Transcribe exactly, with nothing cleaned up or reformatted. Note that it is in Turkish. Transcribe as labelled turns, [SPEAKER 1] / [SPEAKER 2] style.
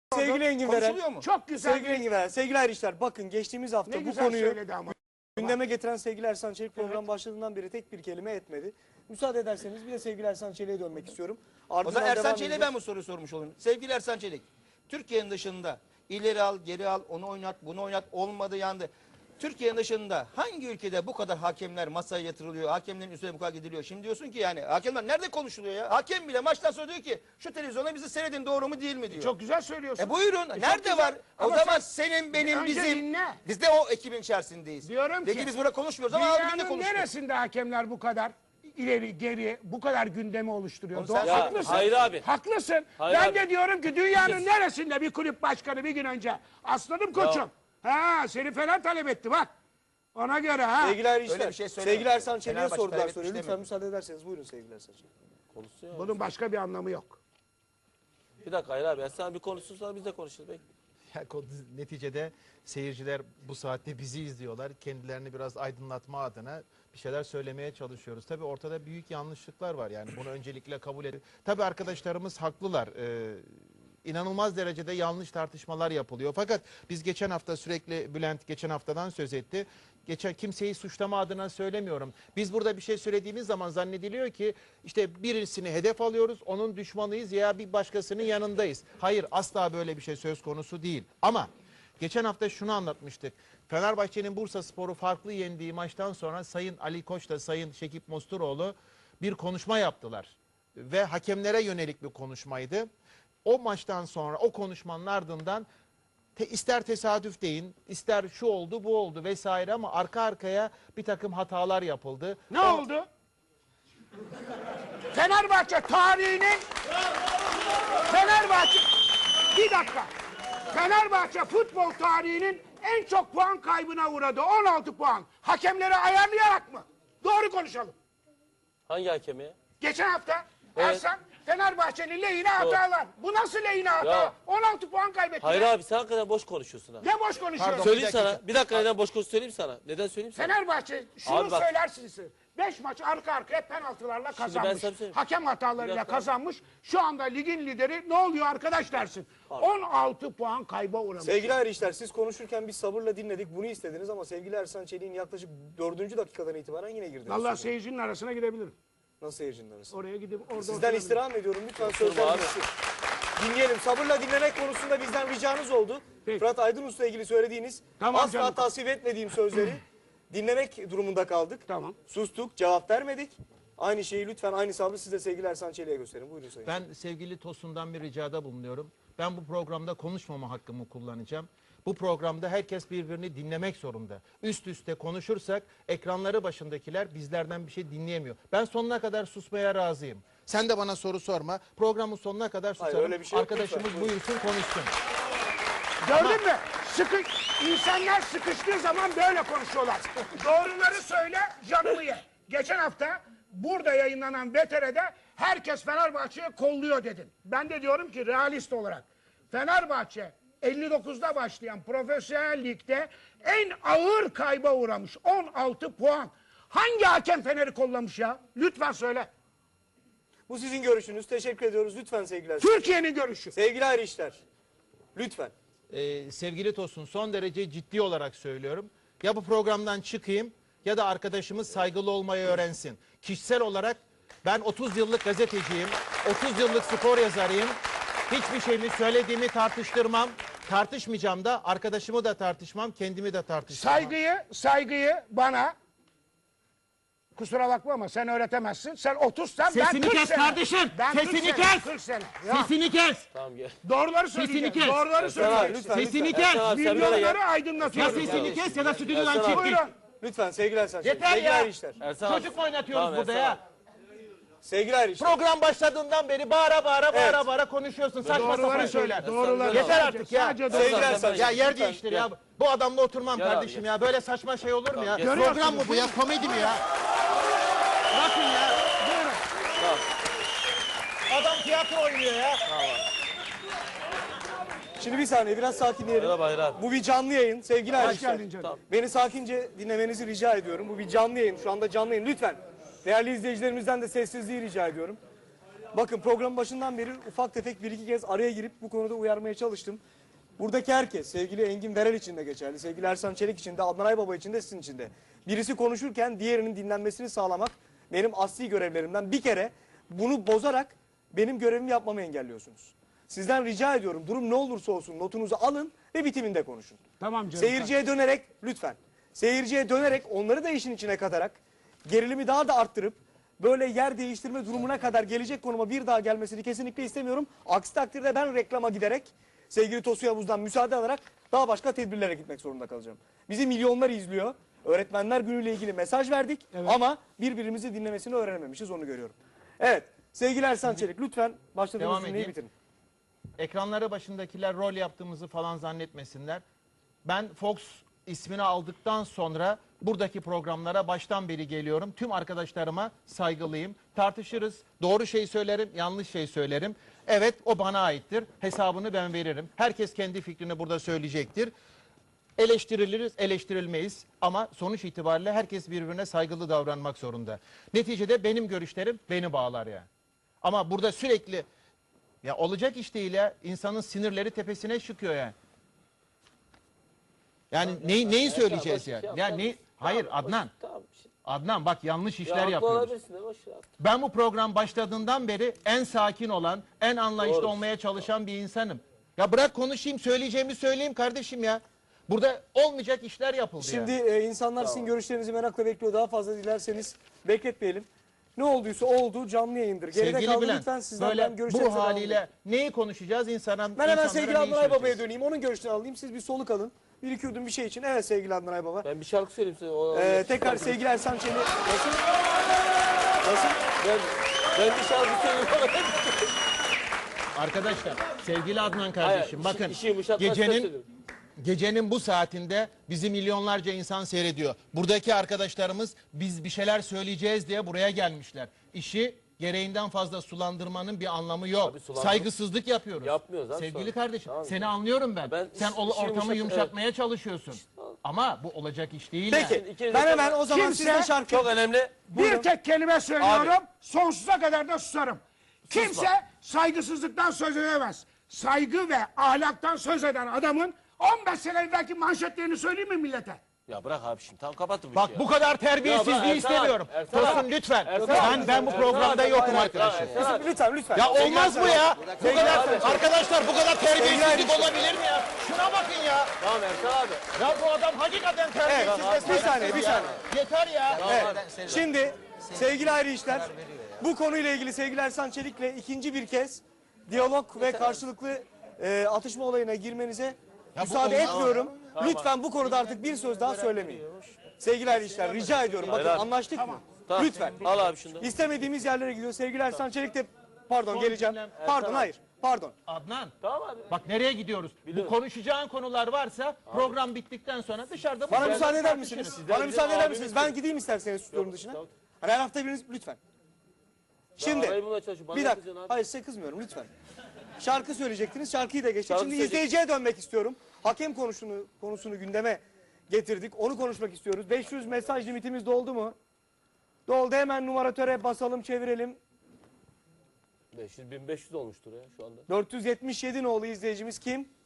[SPEAKER 1] Sevgili Engin Veren,
[SPEAKER 2] Konuşuluyor mu?
[SPEAKER 1] çok güzel. Sevgili Engin Veren, sevgili Ayrışlar, bakın geçtiğimiz hafta
[SPEAKER 3] Ne
[SPEAKER 1] bu
[SPEAKER 3] güzel
[SPEAKER 1] konuyu
[SPEAKER 3] söyledi ama.
[SPEAKER 1] gündeme getiren sevgili Ersan Çelik program başladığından beri tek bir kelime etmedi. Müsaade ederseniz bir de sevgili Ersan Çelik'e dönmek istiyorum.
[SPEAKER 2] O
[SPEAKER 1] Ardından
[SPEAKER 2] zaman Ersan
[SPEAKER 1] devam
[SPEAKER 2] Çelik'e
[SPEAKER 1] edeceğiz.
[SPEAKER 2] ben bu soruyu sormuş olayım. Sevgili Ersan Çelik, Türkiye'nin dışında ileri al, geri al, onu oynat, bunu oynat, olmadı yandı. Türkiye'nin dışında hangi ülkede bu kadar hakemler masaya yatırılıyor, hakemlerin üstüne bu kadar gidiliyor? Şimdi diyorsun ki yani hakemler nerede konuşuluyor ya? Hakem bile maçtan sonra diyor ki şu televizyona bizi seyredin, doğru mu değil mi diyor.
[SPEAKER 3] Çok güzel söylüyorsun.
[SPEAKER 2] E buyurun,
[SPEAKER 3] çok
[SPEAKER 2] nerede
[SPEAKER 3] güzel.
[SPEAKER 2] var? O
[SPEAKER 3] Ama
[SPEAKER 2] zaman
[SPEAKER 3] sen-
[SPEAKER 2] senin, benim,
[SPEAKER 3] Önce
[SPEAKER 2] bizim,
[SPEAKER 3] dinle.
[SPEAKER 2] biz de o ekibin içerisindeyiz.
[SPEAKER 3] Diyorum
[SPEAKER 2] Peki
[SPEAKER 3] ki,
[SPEAKER 2] biz burada konuşmuyoruz ama abi ne
[SPEAKER 3] Dünyanın
[SPEAKER 2] konuşuyor?
[SPEAKER 3] neresinde hakemler bu kadar ileri geri bu kadar gündemi oluşturuyor?
[SPEAKER 2] Onu
[SPEAKER 3] Doğru,
[SPEAKER 2] sen-
[SPEAKER 4] Ya,
[SPEAKER 3] haklısın.
[SPEAKER 4] hayır abi.
[SPEAKER 3] Haklısın.
[SPEAKER 4] Hayır
[SPEAKER 3] ben
[SPEAKER 4] abi.
[SPEAKER 3] de diyorum ki dünyanın neresinde bir kulüp başkanı bir gün önce aslanım koçum. Ha seni falan talep etti bak. Ona göre ha.
[SPEAKER 1] Sevgili Ayrışlar,
[SPEAKER 2] Öyle bir şey söyleme.
[SPEAKER 1] sevgili Ersan Çelik'e
[SPEAKER 2] Fenerbahçe
[SPEAKER 1] sordular
[SPEAKER 2] kaybetmiş
[SPEAKER 1] soruyu. Lütfen
[SPEAKER 2] demiyorum.
[SPEAKER 1] müsaade ederseniz buyurun sevgili Ersan Çelik.
[SPEAKER 4] Konuşsun ya.
[SPEAKER 3] Bunun başka bir anlamı yok.
[SPEAKER 4] Bir dakika hayır abi. Sen bir konuşsun sonra biz de konuşuruz. Belki.
[SPEAKER 5] Ya, neticede seyirciler bu saatte bizi izliyorlar. Kendilerini biraz aydınlatma adına bir şeyler söylemeye çalışıyoruz. Tabii ortada büyük yanlışlıklar var, yani bunu öncelikle kabul edin. Tabii arkadaşlarımız haklılar. Ee, inanılmaz derecede yanlış tartışmalar yapılıyor. Fakat biz geçen hafta sürekli Bülent geçen haftadan söz etti. Geçen kimseyi suçlama adına söylemiyorum. Biz burada bir şey söylediğimiz zaman zannediliyor ki işte birisini hedef alıyoruz, onun düşmanıyız ya bir başkasının yanındayız. Hayır, asla böyle bir şey söz konusu değil. Ama geçen hafta şunu anlatmıştık. Fenerbahçe'nin Bursaspor'u farklı yendiği maçtan sonra Sayın Ali Koç da Sayın Şekip Mosturoğlu bir konuşma yaptılar. Ve hakemlere yönelik bir konuşmaydı. O maçtan sonra o konuşmanın ardından te, ister tesadüf deyin, ister şu oldu bu oldu vesaire ama arka arkaya bir takım hatalar yapıldı.
[SPEAKER 3] Ne
[SPEAKER 5] O-
[SPEAKER 3] oldu? Fenerbahçe tarihinin Fenerbahçe bir dakika. Fenerbahçe futbol tarihinin en çok puan kaybına uğradı. on altı puan. Hakemleri ayarlayarak mı? Doğru konuşalım.
[SPEAKER 4] Hangi hakemi ya?
[SPEAKER 3] Geçen hafta
[SPEAKER 4] Evet.
[SPEAKER 3] Ersan Fenerbahçe'nin lehine hatalar. Bu nasıl lehine hata?
[SPEAKER 4] Ya.
[SPEAKER 3] on altı puan kaybetti.
[SPEAKER 4] Hayır abi sen hakikaten boş konuşuyorsun ha.
[SPEAKER 3] Ne boş konuşuyorsun?
[SPEAKER 5] Pardon.
[SPEAKER 4] Söyleyeyim
[SPEAKER 5] Bir dakika.
[SPEAKER 4] sana. Bir dakika neden boş konuş söyleyeyim sana. Neden söyleyeyim sana?
[SPEAKER 3] Fenerbahçe şunu
[SPEAKER 4] Abi bak.
[SPEAKER 3] söylersiniz. beş maç arka arkaya penaltılarla
[SPEAKER 4] ben
[SPEAKER 3] kazanmış.
[SPEAKER 4] sana söyleyeyim.
[SPEAKER 3] Hakem
[SPEAKER 4] Bir
[SPEAKER 3] hatalarıyla
[SPEAKER 4] dakika.
[SPEAKER 3] kazanmış. Şu anda ligin lideri ne oluyor arkadaş dersin. on altı puan kayba uğramış.
[SPEAKER 1] Sevgili Ayrışlar, siz konuşurken biz sabırla dinledik, bunu istediniz ama sevgili Ersan Çelik'in yaklaşık dördüncü dakikadan itibaren yine girdiniz.
[SPEAKER 3] Vallahi
[SPEAKER 1] sözüne.
[SPEAKER 3] seyircinin arasına girebilirim.
[SPEAKER 1] Nasıl seyircinin arası?
[SPEAKER 3] Oraya gidip orada
[SPEAKER 1] Sizden
[SPEAKER 3] oturabilirim.
[SPEAKER 1] istirham ediyorum, lütfen
[SPEAKER 4] abi.
[SPEAKER 1] sözler bitsin. Dinleyelim. Sabırla dinlemek konusunda bizden ricanız oldu.
[SPEAKER 3] Peki.
[SPEAKER 1] Fırat Aydınus'la ilgili söylediğiniz
[SPEAKER 3] Tamam
[SPEAKER 1] asla
[SPEAKER 3] canım.
[SPEAKER 1] tasvip etmediğim sözleri dinlemek durumunda kaldık.
[SPEAKER 3] Tamam.
[SPEAKER 1] Sustuk, cevap vermedik. Aynı şeyi lütfen aynı sabrı siz de sevgili Ersan Çelik'e gösterin. Buyurun sayın.
[SPEAKER 5] Ben sevgili Tosun'dan bir ricada bulunuyorum. Ben bu programda konuşmama hakkımı kullanacağım. Bu programda herkes birbirini dinlemek zorunda. Üst üste konuşursak ekranları başındakiler bizlerden bir şey dinleyemiyor. Ben sonuna kadar susmaya razıyım. Sen de bana soru sorma. Programın sonuna kadar
[SPEAKER 1] Hayır,
[SPEAKER 5] susarım.
[SPEAKER 1] öyle bir şey yok.
[SPEAKER 5] Arkadaşımız
[SPEAKER 1] Lütfen,
[SPEAKER 5] buyursun konuşsun.
[SPEAKER 3] Gördün mü? Sıkı, insanlar sıkıştığı zaman böyle konuşuyorlar. Doğruları söyle, canımı ye. Geçen hafta burada yayınlanan V T R'de herkes Fenerbahçe'yi kolluyor dedin. Ben de diyorum ki realist olarak Fenerbahçe elli dokuzda başlayan profesyonel ligde en ağır kayba uğramış. on altı puan. Hangi hakem Fener'i kollamış ya? Lütfen söyle.
[SPEAKER 1] Bu sizin görüşünüz. Teşekkür ediyoruz. Lütfen sevgili Ersan.
[SPEAKER 3] Türkiye'nin görüşü.
[SPEAKER 1] Sevgili Ayrışlar. Lütfen.
[SPEAKER 5] Ee, sevgili Tosun, son derece ciddi olarak söylüyorum. Ya bu programdan çıkayım ya da arkadaşımız saygılı olmayı öğrensin. Kişisel olarak ben otuz yıllık gazeteciyim, otuz yıllık spor yazarıyım. Hiçbir şeyimi söylediğimi tartıştırmam. Tartışmayacağım da arkadaşımı da tartışmam, kendimi de tartışmam.
[SPEAKER 3] Saygıyı, saygıyı bana kusura bakma ama sen öğretemezsin. Sen otuzsan ben
[SPEAKER 5] Sesini
[SPEAKER 3] kırk
[SPEAKER 5] kes
[SPEAKER 3] sene.
[SPEAKER 5] kardeşim,
[SPEAKER 3] Ben kırk
[SPEAKER 5] sesini
[SPEAKER 3] sene,
[SPEAKER 5] kes.
[SPEAKER 3] kırk sene. Ya,
[SPEAKER 5] Sesini kes!
[SPEAKER 4] Tamam gel.
[SPEAKER 3] doğruları söyleyeceksin.
[SPEAKER 5] kes.
[SPEAKER 3] Doğruları
[SPEAKER 4] Ersan
[SPEAKER 1] abi,
[SPEAKER 3] söyleyeceksin.
[SPEAKER 1] lütfen.
[SPEAKER 5] Sesini
[SPEAKER 1] lütfen.
[SPEAKER 5] kes!
[SPEAKER 4] Abi sen böyle
[SPEAKER 3] Milyonları
[SPEAKER 4] gel.
[SPEAKER 5] Ya
[SPEAKER 3] aydınlatıyorsun.
[SPEAKER 5] sesini kes ya da stüdyodan
[SPEAKER 4] Ersan
[SPEAKER 5] çık
[SPEAKER 4] abi.
[SPEAKER 5] git.
[SPEAKER 3] Buyurun.
[SPEAKER 1] Lütfen sevgili Ersan Çelik.
[SPEAKER 5] Yeter
[SPEAKER 1] Sevgili
[SPEAKER 5] ya.
[SPEAKER 1] Ayrışlar.
[SPEAKER 4] Ersan abi.
[SPEAKER 5] Çocuk mu oynatıyoruz
[SPEAKER 4] Tamam,
[SPEAKER 5] burada
[SPEAKER 4] Ersan
[SPEAKER 5] ya?
[SPEAKER 4] abi.
[SPEAKER 1] Sevgili Ayrışlar.
[SPEAKER 5] Program başladığından beri bağıra bağıra bağıra
[SPEAKER 1] Evet.
[SPEAKER 5] bağıra konuşuyorsun. Saçma
[SPEAKER 3] Doğruları
[SPEAKER 5] sapan
[SPEAKER 3] söyle.
[SPEAKER 5] şeyler.
[SPEAKER 3] Doğruları.
[SPEAKER 5] Yeter
[SPEAKER 3] Sadece-
[SPEAKER 5] artık ya.
[SPEAKER 3] sadece
[SPEAKER 1] Sevgili
[SPEAKER 3] doğruları.
[SPEAKER 1] Ersan
[SPEAKER 5] Ya yer
[SPEAKER 1] lütfen.
[SPEAKER 5] değiştir ya. Bu adamla oturmam
[SPEAKER 4] Gel abi,
[SPEAKER 5] kardeşim
[SPEAKER 4] gel.
[SPEAKER 5] ya. Böyle saçma şey olur mu ya?
[SPEAKER 4] gel.
[SPEAKER 5] Program mı bu ya? Komedi mi ya? Bakın ya.
[SPEAKER 3] Buyurun.
[SPEAKER 5] Adam tiyatro oynuyor ya.
[SPEAKER 1] Şimdi bir saniye biraz sakinleyelim.
[SPEAKER 4] Merhaba Hayır abi.
[SPEAKER 1] Bu bir canlı yayın sevgili Ayrışlar.
[SPEAKER 3] geldin canım.
[SPEAKER 4] Tamam.
[SPEAKER 1] Beni sakince dinlemenizi rica ediyorum. Bu bir canlı yayın. Şu anda canlı yayın. Lütfen değerli izleyicilerimizden de sessizliği rica ediyorum. Bakın programın başından beri ufak tefek bir iki kez araya girip bu konuda uyarmaya çalıştım. Buradaki herkes, sevgili Engin Verel için de geçerli, sevgili Ersan Çelik için de, Adnan Aybaba için de, sizin için de. Birisi konuşurken diğerinin dinlenmesini sağlamak benim asli görevlerimden. Bir kere bunu bozarak benim görevimi yapmamı engelliyorsunuz. Sizden rica ediyorum, durum ne olursa olsun notunuzu alın ve bitiminde konuşun.
[SPEAKER 3] Tamam canım.
[SPEAKER 1] Seyirciye dönerek, lütfen, seyirciye dönerek onları da işin içine katarak, gerilimi daha da arttırıp, böyle yer değiştirme durumuna kadar gelecek konuma bir daha gelmesini kesinlikle istemiyorum. Aksi takdirde ben reklama giderek, sevgili Tosun Yavuz'dan müsaade alarak daha başka tedbirlere gitmek zorunda kalacağım. Bizi milyonlar izliyor. Öğretmenler günüyle ilgili mesaj verdik ama birbirimizi dinlemesini öğrenememişiz, onu görüyorum. Evet, sevgili Ersan Çelik, lütfen başladığınız
[SPEAKER 5] Devam
[SPEAKER 1] cümleyi
[SPEAKER 5] edeyim.
[SPEAKER 1] bitirin.
[SPEAKER 5] Ekranlara başındakiler rol yaptığımızı falan zannetmesinler. Ben Fox ismini aldıktan sonra buradaki programlara baştan beri geliyorum. Tüm arkadaşlarıma saygılıyım. Tartışırız. Doğru şey söylerim, yanlış şey söylerim. Evet, o bana aittir. Hesabını ben veririm. Herkes kendi fikrini burada söyleyecektir. Eleştiriliriz, eleştirilmeyiz ama sonuç itibariyle herkes birbirine saygılı davranmak zorunda. Neticede benim görüşlerim beni bağlar yani. Ama burada sürekli ya olacak iş değil ya. İnsanın sinirleri tepesine çıkıyor yani. Yani neyi, neyi söyleyeceğiz ya? Ya ne? Hayır Adnan.
[SPEAKER 4] Tamam.
[SPEAKER 5] Adnan bak yanlış
[SPEAKER 4] Ya
[SPEAKER 5] işler
[SPEAKER 4] haklı
[SPEAKER 5] yapıyoruz.
[SPEAKER 4] olabilirsin de boş ver.
[SPEAKER 5] Ben bu program başladığından beri en sakin olan, en anlayışlı
[SPEAKER 4] Doğru.
[SPEAKER 5] olmaya çalışan bir insanım. Ya bırak konuşayım, söyleyeceğimi söyleyeyim kardeşim ya. Burada olmayacak işler yapıldı
[SPEAKER 1] Şimdi
[SPEAKER 5] yani.
[SPEAKER 1] e, insanlar sizin görüşlerinizi merakla bekliyor. Daha fazla dilerseniz bekletmeyelim. Ne olduysa oldu, canlı yayındır. Geride
[SPEAKER 5] Sevgili
[SPEAKER 1] kaldı,
[SPEAKER 5] Bülent,
[SPEAKER 1] lütfen sizden ben
[SPEAKER 5] böyle
[SPEAKER 1] görüşlerinize
[SPEAKER 5] bu
[SPEAKER 1] devam
[SPEAKER 5] haliyle
[SPEAKER 1] edin.
[SPEAKER 5] neyi konuşacağız insana?
[SPEAKER 1] Ben hemen
[SPEAKER 5] insanlara
[SPEAKER 1] sevgili
[SPEAKER 5] neyi
[SPEAKER 1] Adnan Aybaba'ya
[SPEAKER 5] söyleyeceğiz?
[SPEAKER 1] döneyim. Onun görüşlerini alayım. Siz bir soluk alın. Bir iki yudum bir şey için. Evet sevgili Adnan Aybaba.
[SPEAKER 4] Ben bir şarkı söyleyeyim size. O,
[SPEAKER 1] Ee, tekrar sevgili Ersan Çelik. Nasıl? Nasıl?
[SPEAKER 4] Ben, ben bir şarkı söyleyeyim.
[SPEAKER 5] Arkadaşlar, sevgili Adnan kardeşim,
[SPEAKER 4] Hayır,
[SPEAKER 5] bakın
[SPEAKER 4] işi yumuşatmak için
[SPEAKER 5] gecenin
[SPEAKER 4] söylüyorum.
[SPEAKER 5] gecenin bu saatinde bizi milyonlarca insan seyrediyor. Buradaki arkadaşlarımız biz bir şeyler söyleyeceğiz diye buraya gelmişler. İşi gereğinden fazla sulandırmanın bir anlamı yok.
[SPEAKER 4] Abi sulandır-
[SPEAKER 5] Saygısızlık yapıyoruz.
[SPEAKER 4] Yapmıyoruz abi,
[SPEAKER 5] Sevgili
[SPEAKER 4] sulandır-
[SPEAKER 5] kardeşim,
[SPEAKER 4] Tamam.
[SPEAKER 5] seni anlıyorum ben.
[SPEAKER 4] Ben
[SPEAKER 5] Sen
[SPEAKER 4] iş-
[SPEAKER 5] o-
[SPEAKER 4] işi
[SPEAKER 5] ortamı
[SPEAKER 4] yumuşat-
[SPEAKER 5] yumuşatmaya çalışıyorsun. Ama bu olacak iş değil.
[SPEAKER 1] Peki.
[SPEAKER 5] yani.
[SPEAKER 4] İkiniz de
[SPEAKER 1] Ben
[SPEAKER 4] çok-
[SPEAKER 1] hemen o zaman
[SPEAKER 3] Kimse-
[SPEAKER 1] sizde şarkı...
[SPEAKER 4] Çok önemli.
[SPEAKER 3] Bir tek kelime söylüyorum. Sonsuza kadar da susarım. Kimse saygısızlıktan söz edemez. Saygı ve ahlaktan söz eden adamın on beş sene evvelki manşetlerini söyleyeyim mi millete?
[SPEAKER 4] Ya bırak abi şimdi. Tamam kapatın bu
[SPEAKER 5] Bak
[SPEAKER 4] işi
[SPEAKER 5] bu
[SPEAKER 4] ya.
[SPEAKER 5] kadar
[SPEAKER 4] Ya
[SPEAKER 5] terbiyesizliği
[SPEAKER 4] bak, Ersan
[SPEAKER 5] istemiyorum.
[SPEAKER 4] abi, Ersan
[SPEAKER 5] Tosun
[SPEAKER 4] abi.
[SPEAKER 5] lütfen.
[SPEAKER 4] Ersan
[SPEAKER 5] Ben
[SPEAKER 4] abi,
[SPEAKER 5] ben bu
[SPEAKER 4] Ersan
[SPEAKER 5] programda
[SPEAKER 4] abi,
[SPEAKER 5] yokum
[SPEAKER 4] hayır,
[SPEAKER 5] arkadaşım.
[SPEAKER 4] Ersan abi.
[SPEAKER 1] Lütfen lütfen.
[SPEAKER 5] Ya
[SPEAKER 1] Sevgili
[SPEAKER 5] olmaz bu
[SPEAKER 1] Ersan-
[SPEAKER 5] ya. Bu
[SPEAKER 1] Sevgili
[SPEAKER 5] kadar
[SPEAKER 1] Ersan Çelik.
[SPEAKER 5] arkadaşlar bu kadar terbiyesizlik
[SPEAKER 1] Sevgili
[SPEAKER 5] olabilir mi ya? Şuna bakın ya.
[SPEAKER 4] Tamam Ersan abi.
[SPEAKER 5] Ya bu adam hakikaten terbiyesiz
[SPEAKER 1] Evet,
[SPEAKER 5] ve
[SPEAKER 1] bir
[SPEAKER 5] saygısız
[SPEAKER 1] saniye, bir
[SPEAKER 5] ya.
[SPEAKER 1] saniye.
[SPEAKER 5] Yeter ya.
[SPEAKER 1] Evet. Şimdi sevgili ayrı işler, bu konuyla ilgili sevgili Ersan Çelik'le ikinci bir kez diyalog ve karşılıklı e, atışma olayına girmenize müsaade
[SPEAKER 5] olmaz.
[SPEAKER 1] etmiyorum. Lütfen bu konuda artık bir söz daha söylemeyin. Sevgili ayrı işler, rica ediyorum. Bakın
[SPEAKER 4] Hayır abi.
[SPEAKER 1] anlaştık mı?
[SPEAKER 4] Tamam.
[SPEAKER 1] Lütfen.
[SPEAKER 4] Al abi şunu.
[SPEAKER 1] İstemediğimiz yerlere gidiyor. Sevgili Ersan Çelik de, pardon
[SPEAKER 5] Son
[SPEAKER 1] geleceğim.
[SPEAKER 5] cümlem,
[SPEAKER 1] Pardon
[SPEAKER 4] Ersan
[SPEAKER 1] hayır, pardon.
[SPEAKER 5] Adnan
[SPEAKER 4] Tamam abi.
[SPEAKER 5] bak nereye gidiyoruz?
[SPEAKER 4] Biliyorum.
[SPEAKER 5] Bu konuşacağın konular varsa program bittikten sonra dışarıda bu
[SPEAKER 1] Bana
[SPEAKER 5] şeyler
[SPEAKER 1] müsaade eder
[SPEAKER 5] tartışırız.
[SPEAKER 1] misiniz? Bana müsaade eder
[SPEAKER 4] abimiz
[SPEAKER 1] misiniz? Ben gideyim isterseniz stüdyonun dışına.
[SPEAKER 4] tamam.
[SPEAKER 1] Hani her hafta biriniz lütfen. Şimdi
[SPEAKER 4] arayı bulmaya çalışıyorum. Bana
[SPEAKER 1] bir
[SPEAKER 4] ne
[SPEAKER 1] dakika.
[SPEAKER 4] kızıyorsun abi?
[SPEAKER 1] Hayır size kızmıyorum lütfen. Şarkı söyleyecektiniz. Şarkıyı da geçtik.
[SPEAKER 4] Şarkı
[SPEAKER 1] Şimdi
[SPEAKER 4] söyleyecek-
[SPEAKER 1] izleyiciye dönmek istiyorum. Hakem konusunu konusunu gündeme getirdik. Onu konuşmak istiyoruz. beş yüz mesaj limitimiz doldu mu? Doldu. Hemen numaratöre basalım, çevirelim.
[SPEAKER 4] beş yüz bin beş yüz olmuştur ya şu anda.
[SPEAKER 1] dört yüz yetmiş yedi nolu izleyicimiz kim?